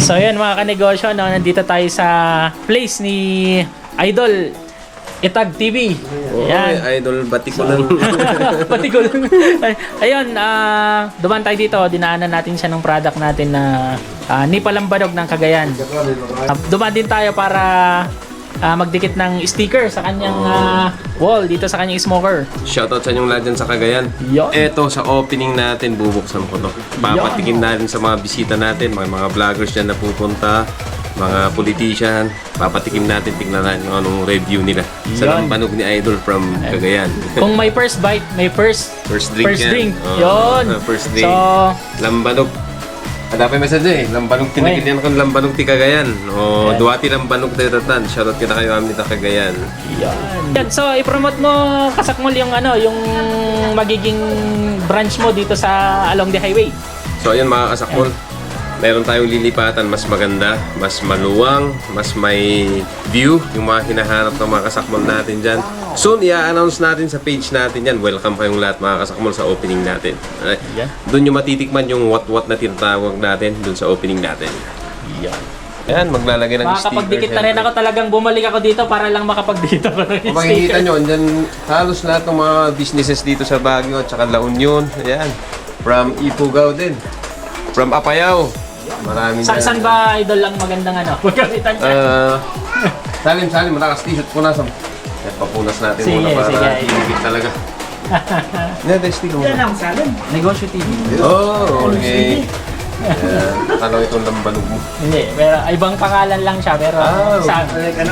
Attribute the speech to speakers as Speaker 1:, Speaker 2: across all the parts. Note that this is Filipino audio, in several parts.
Speaker 1: So yun mga kanegosyo, no, nandito tayo sa place ni Idol Itag TV.
Speaker 2: Yan. Idol Batikulan.
Speaker 1: Batikulan. Ayun, dumaan tayo dito, dinaanan natin siya ng product natin na Nipalambanog ng Cagayan. Dumaan din tayo para magdikit ng sticker sa kanyang wall dito sa kanyang smoker.
Speaker 2: Shoutout sa inyong lahat dyan sa Cagayan.
Speaker 1: Yon.
Speaker 2: Eto, sa opening natin, bubuksan ko to. Papatikin natin sa mga bisita natin, mga vloggers dyan na pupunta, mga politician. Papatikim natin, tignan natin kung anong review nila sa
Speaker 1: Yon.
Speaker 2: lambanog ni Idol from Cagayan.
Speaker 1: Kung may first bite, may first
Speaker 2: drink yan.
Speaker 1: drink.
Speaker 2: Oo,
Speaker 1: Yon.
Speaker 2: first drink.
Speaker 1: So,
Speaker 2: Lambanog. Dapat message eh, lambanog tinagin yan kung lambanog ti Cagayan. O, duwati lambanog ti Tatan. Shoutout kita kayo amin ta Cagayan.
Speaker 1: yan. So, i-promote mo kasakmol yung yung magiging branch mo dito sa along the highway.
Speaker 2: So ayun mga kasakmol, meron tayong lilipatan mas maganda, mas maluwang, mas may view yung mga hinahanap ng mga kasakmol natin dyan. Soon, i-announce natin sa page natin yan. Welcome kayong lahat mga kasakmol sa opening natin.
Speaker 1: Yan.
Speaker 2: Doon yung matitikman yung what-what na tinatawag natin doon sa opening natin.
Speaker 1: Yan.
Speaker 2: Yan, maglalagay ng sticker.
Speaker 1: Makakapagdikit na rin ako, talagang bumalik ako dito para lang makapagdito ko ng
Speaker 2: Kung makikita nyo, andyan halos lahat ng mga businesses dito sa Baguio at saka La Union. Ayan. From Ifugao din. From Apayao. Marami na.
Speaker 1: Saan ba Idol ang magandang magkamitan siya?
Speaker 2: Salim, malakas t-shirt ko na sa... At papunas natin
Speaker 1: Sige,
Speaker 2: muna para
Speaker 1: sige.
Speaker 2: tinigit talaga. Testi ko
Speaker 3: Yan
Speaker 2: muna.
Speaker 3: ang salon.
Speaker 1: Negosyo TV.
Speaker 2: Oh, okay. Ayan. Ano itong lambanog mo?
Speaker 1: Hindi, pero ibang pangalan lang siya, pero sa...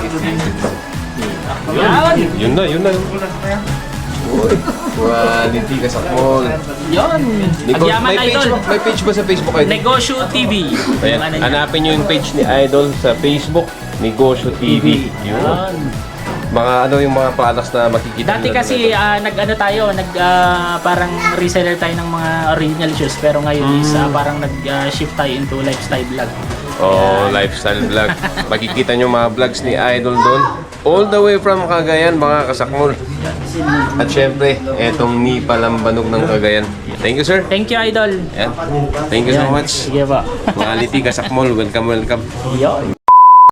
Speaker 2: Yun na. Uy, quality ka sa mall.
Speaker 1: Yun! Agyaman Idol!
Speaker 2: May page ba sa Facebook kayo?
Speaker 1: Negosyo TV.
Speaker 2: Ayan,
Speaker 1: Yung niya.
Speaker 2: hanapin nyo yung page ni Idol sa Facebook, Negosyo TV. Yun.
Speaker 1: Yun.
Speaker 2: Mga yung mga products na makikita
Speaker 1: Dati
Speaker 2: nyo
Speaker 1: kasi parang reseller tayo ng mga original shoes, pero ngayon is parang nag-shift tayo into lifestyle vlog.
Speaker 2: Lifestyle vlog. Makikita nyo mga vlogs ni Idol doon. All the way from Cagayan, mga kasakmol. At syempre, etong Nipalambanog ng Cagayan. Thank you, sir.
Speaker 1: Thank you, Idol.
Speaker 2: Yan. Thank you so
Speaker 1: Yan.
Speaker 2: much.
Speaker 1: Sige pa.
Speaker 2: Quality kasakmol. Welcome.
Speaker 1: Yun.